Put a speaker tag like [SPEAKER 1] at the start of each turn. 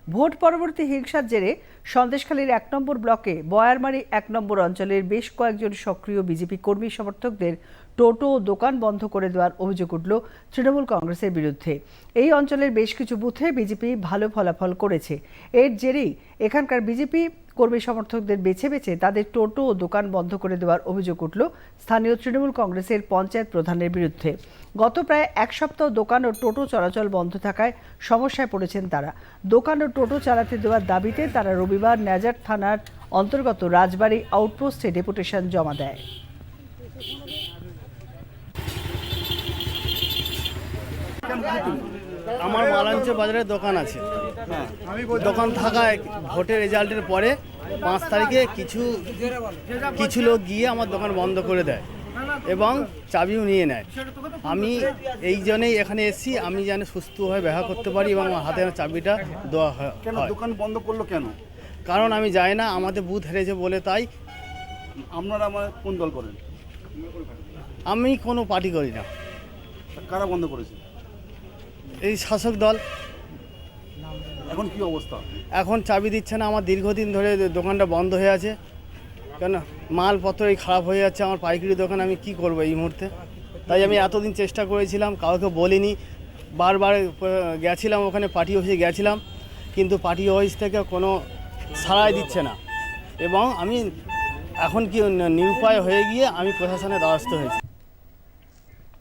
[SPEAKER 1] Vote পরবর্তী হিংসার জেরে সন্দেশখালীর ১ নম্বর ব্লকে বয়ারমারি ১ নম্বর অঞ্চলের বেশ কয়েকজন সক্রিয় বিজেপি কর্মী সমর্থকদের টোটো ও দোকান বন্ধ করে দেওয়ার অভিযোগ উঠল তৃণমূল কংগ্রেসের বিরুদ্ধে। এই অঞ্চলের বেশ কিছু বুথে বিজেপি ভালো ফলাফল করেছে। এর জেরেই এখানকার বিজেপি কর্মী সমর্থকদের বেছে বেছে তাদের টোটো ও দোকান বন্ধ করে দেওয়ার অভিযোগ উঠল স্থানীয় তৃণমূল কংগ্রেসের পঞ্চায়েত প্রধানের বিরুদ্ধে। গত প্রায় এক সপ্তাহ দোকান ও টোটো চলাচল বন্ধ থাকায় সমস্যায় পড়েছেন তারা। দোকান ও টোটো চালাতে দেওয়ার দাবিতে তারা রবিবার ন্যাজার থানার অন্তর্গত রাজবাড়ী আউটপোস্টে ডেপুটেশন জমা দেয়।
[SPEAKER 2] আমার মালাঞ্চ বাজারে দোকান আছে। দোকান থাকায় ভোটের রেজাল্টের পরে 5 তারিখে কিছু লোক গিয়ে আমার দোকান বন্ধ করে দেয় এবং চাবিও নিয়ে নেয়। আমি এই জন্যই এখানে এসেছি, আমি যেন সুস্থভাবে ব্যবহার করতে পারি এবং আমার হাতে চাবিটা দেওয়া হয়।
[SPEAKER 3] দোকান বন্ধ করলো কেন?
[SPEAKER 2] কারণ আমি যাই না, আমাদের বুথ হেরেছে বলে। তাই
[SPEAKER 3] আপনারা আমার কোন দল করেন?
[SPEAKER 2] আমি কোনো পার্টি করি না।
[SPEAKER 3] কারা বন্ধ করেছে?
[SPEAKER 2] এই শাসক দল।
[SPEAKER 3] এখন কি অবস্থা?
[SPEAKER 2] এখন চাবি দিচ্ছে না। আমার দীর্ঘদিন ধরে দোকানটা বন্ধ হয়ে আছে, কেন মালপত্র এই খারাপ হয়ে যাচ্ছে। আমার পাইকারি দোকান, আমি কি করব এই মুহূর্তে? তাই আমি এতদিন চেষ্টা করেছিলাম, কাউকে বলিনি। বারবার গেছিলাম ওখানে, পার্টি অফিসে গেছিলাম, কিন্তু পার্টি অফিস থেকে কোনো সাড়াই দিচ্ছে না। এবং আমি এখন কি নিরুপায় হয়ে গিয়ে আমি প্রশাসনের দ্বারস্থ হয়েছি।